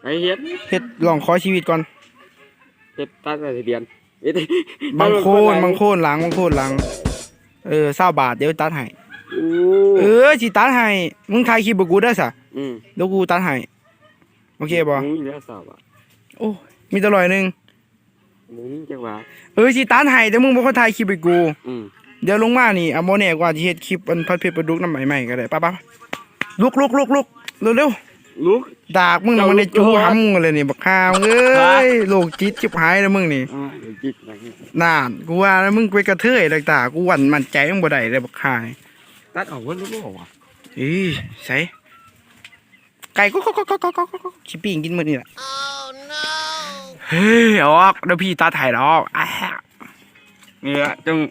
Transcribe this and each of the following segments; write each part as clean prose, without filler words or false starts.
ไอเฮ็ดลองขอชีวิตก่อนเฮ็ดตัดอะไรเดียนบางโคนหลัง20 บาทเดี๋ยวตัดให้สิตัดให้มึงถ่ายคลิปบ่กูได้ซะเดี๋ยวกูตัดให้โอเคบ่มีแล้ว20 บาทโอ้มีตลอยนึงมึงจังหวะสิตัดให้แต่มึงบ่ขอถ่ายคลิปให้กูเดี๋ยวลงมานี่บ่แน่กว่าสิเฮ็ดคลิปอันผัดเผ็ดปลาดุกน้ำใหม่ๆก็ได้ไปๆลุกเร็วลุกดากมึงมันได้จู้หำมึงเลยนี่บักข้าวเอ้ยโลกจิตชิบหายแล้วมึงนี่น่านกูว่าแล้วมึงไปกระเทยต่างๆกูหวั่นมั่นใจมึงบ่ได้เลยบักข้าตัดออกว่ารู้บ่วะใส่ไก่ก็ชิปิ้งกินมื้อนี่แหละเฮ้ยออกเดี๋ยวพี่ตาถ่ายแล้วนี่ละจัง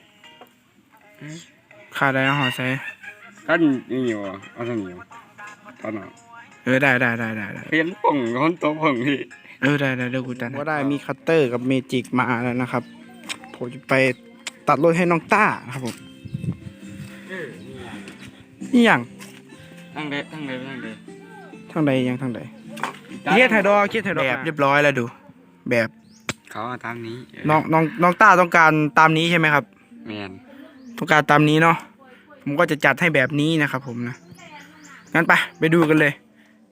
ข้าได้ห่อใส่กันนี่อยู่เอาทางนี้ตอนนั้นได้เปลี่ยนป่องคนโตป่องพี่ได้เดี๋ยวกูตัดว่าได้มีคัตเตอร์กับเมจิกมาแล้วนะครับผมจะไปตัดรถให้น้องต้าครับผมนี่อย่างทางใดทางใดเคสไทยดอกแบบเรียบร้อยแล้วดูแบบเขาตามนี้น้องต้าต้องการตามนี้ใช่ไหมครับแมนต้องการตามนี้เนาะผมก็จะจัดให้แบบนี้นะครับผมนะงั้นไปดูกันเลย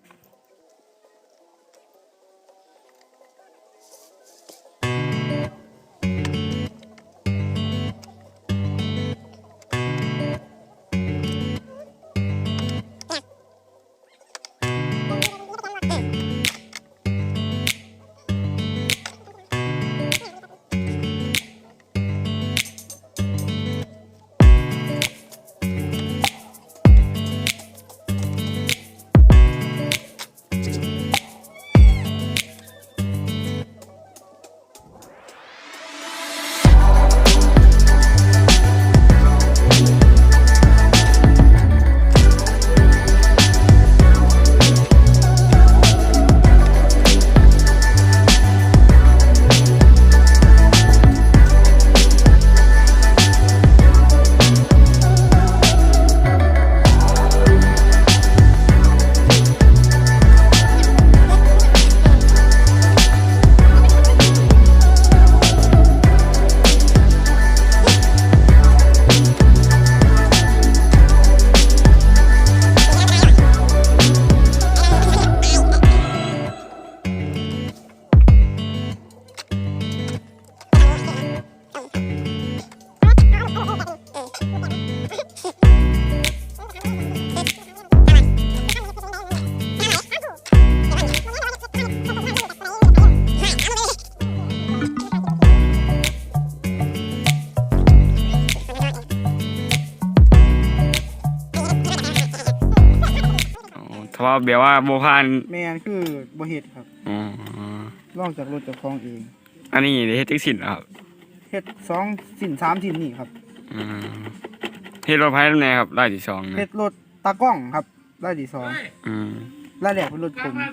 เพราะแบบว่าโบพานแม่นคือบ่เฮ็ดครับลองจากรถจากคลองเองอันนี้เฮ็ดจักสินครับเฮ็ด2 สิน 3 สินนี่ครับเฮ็ดรถไฟแน่ครับรายที่2 เฮ็ดรถตากล้องครับรายที่2รายแรกเป็นรถผม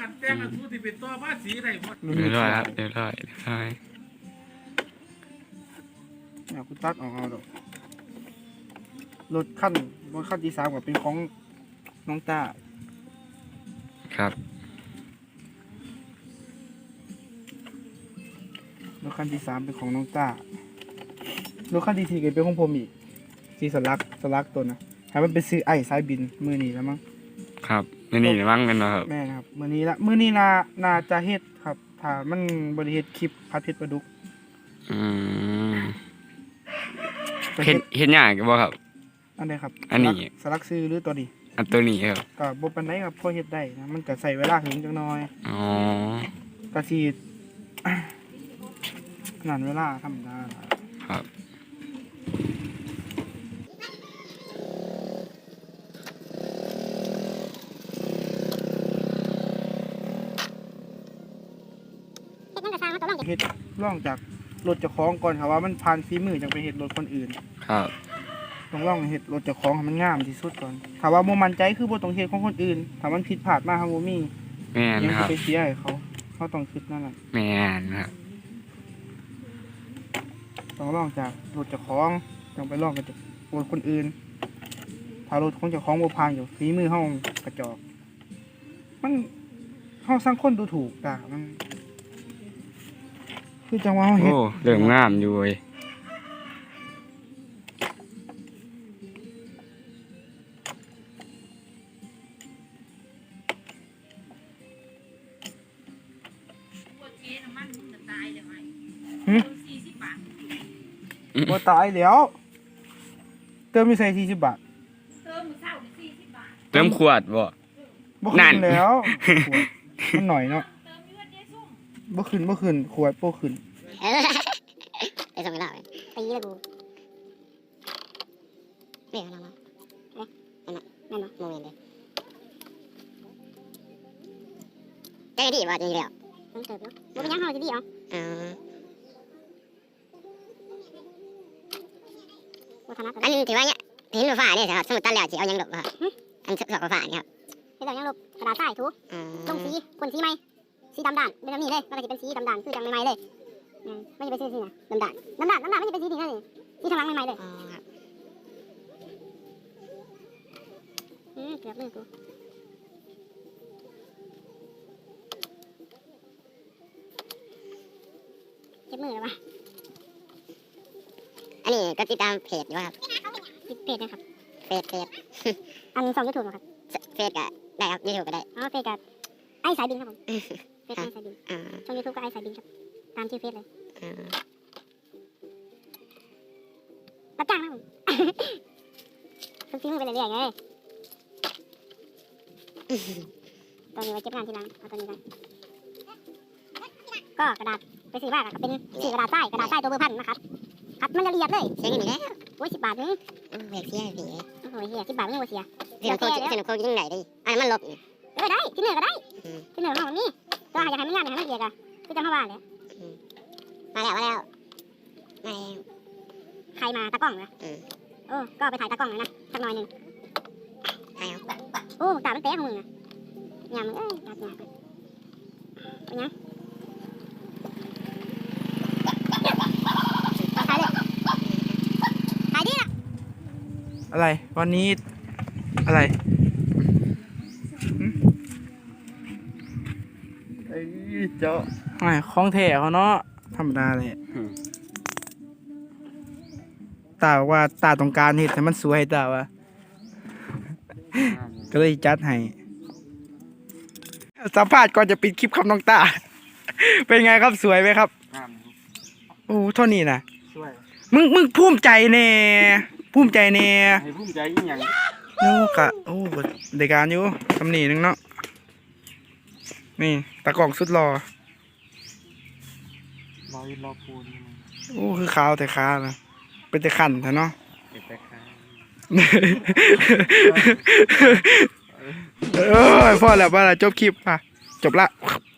เรียบร้อยครับเรียบร้อยกูตัดออกเอาดอกรถคันที่3ก็เป็นของน้องต้าครับรถคันที่3เป็นของน้องต้ารถคันที่4ก็เป็นของผมอีกสีสลักตัวนะให้มันเป็นซื้อไอ้สายบินมือนี้แล้วมั้งครับมือนี้มั้งกันเนาะครับแม่ครับมือนี้น่าจะเฮ็ดครับถ้ามันบริเฮ็ดคลิปผัดเผ็ดปลาดุกเฮ็ดยากบ่ครับอันใดครับอันนี้สลักซื้อหรือตัวนี้อันตัวนี้ครับก็บ่ปานใดครับพอเฮ็ดได้นะมันก็ใส่เวลาถึงจักหน่อยก็สิขนาดเวลาธรรมดาครับเฮ็ดร่องจากรถเจ้าของก่อนครับว่ามันผ่านฝีมือจังไปเฮ็ดรถคนอื่นครับต้องร่องเฮ็ดรถเจ้าของให้มันงามที่สุดก่อนถ้าว่าบ่มั่นใจคือบ่ต้องเฮ็ดของคนอื่นถ้ามันผิดพลาดมาเฮาบ่มีแม่นครับไปเสียให้เขาต้องคิดนั่นแหละแม่นครับต้องร่องจากรถเจ้าของต้องไปร่องกับรถคนอื่นถ้ารถของเจ้าของบ่ผ่านอยู่ฝีมือเฮากระจอกมันเฮาสร้างคนดูถูกตามันคือจังว่าเฮาเฮ็ดโอ้เริ่มงามอยู่เว้ยบ่ตายแล้วเติมมีใส่40 บาทเติมขวดบ่บ่นั่ขึ้นนแล้วขวดมันหน่อยเนาะบ่ขึ้นขวดบ่ขึ้นไอ้สองเวลาตีเลยกูเรียกอะไรมานั่นเนาะโมเมนต์เลยใจดีว่าจะดีแล้วต้องเติบเนาะมันเป็นยังเขาจะดีเหรออันถือว่าเนี่ยเห็นฟ้าเนี่ยครับสมุดตันแล้วจะเอายังหลบครับอันสอบฟ้าเนี่ยครับเป็นยังหลบกระดาษทรายถูลงสีพ่นสีไหมสีดำด่านเป็นแบบนี้เลยมันก็จะเป็นสีดำด่านคือจังใหม่ๆเลยไม่ใช่เป็นสีนะดำด่านไม่ใช่เป็นสีนี่นั่นเองสีทางหลังใหม่ๆเลยเกือบมือกูเจ็บมือเลยวะอันนี้ก็ติดตามเพจอยู่ครับเพจนะครับเพจอันช่องยูทูบครับเพจก็ได้ครับยูทูบก็ได้อ๋อเพจก็ไอ้สายบินครับผมเพจไอ้สายบินช่องยูทูบก็ไอ้สายบินครับตามชื่อเพจเลยรับจ้างนะผมฝึกฝีมือไปเรื่อยๆไงตอนนี้ไว้เก็บงานทีหลังเอาตัวนี้กันก็กระดาษไปซื้อมากเป็นซื้อกระดาษทรายตัวเบอร์พันนะครับคัดมันละเอียดเลยเสียเงินแล้วโอ้ย10 บาทนึงเสียพี่โอ้ยเสีย10 บาทนึงว่าเสียเสียโคยังไงดิอันมันลบได้ที่เหนือก็ได้ที่เหนือของนี่ก็อยากให้มันยากอยากให้มันเอียดอ่ะคือจะมาว่าเลยมาแล้วใครมาตากล้องนะโอ้ก็ไปถ่ายตากล้องเลยนะสักหน่อยหนึ่งถ่ายเอาโอ้ตามันเตะของมึงอ่ะยามมึงตาหยาบเป็นยังถ่ายเลยถ่ายดิล่ะอะไรวันนี้อะไรไอ้เจ้าไม่ของแท้เขาเนาะธรรมดาเลยตาบอกว่าตาต้องการเฮ็ดให้มันสวยตาว่าก็เลยจัดให้สัมภาษณ์ก่อนจะปิดคลิปครับน้องตา เป็นไงครับสวยไหมครับโอ้เท่านี้นะสวยมึงภูมิใจแน่ภูมิใจแน่ให้ภูมิใจอีหยังโอ้กะโอ้ได้การอยู่ตำหนินึงเนาะนี่ตากล่องสุดรอรอพูนโอ้คือขาวแต่ขานะเป็นแต่ขันแท้เนาะเก็บแต่ค้าเอ้ยพอแล้วจบคลิปอ่ะจบละ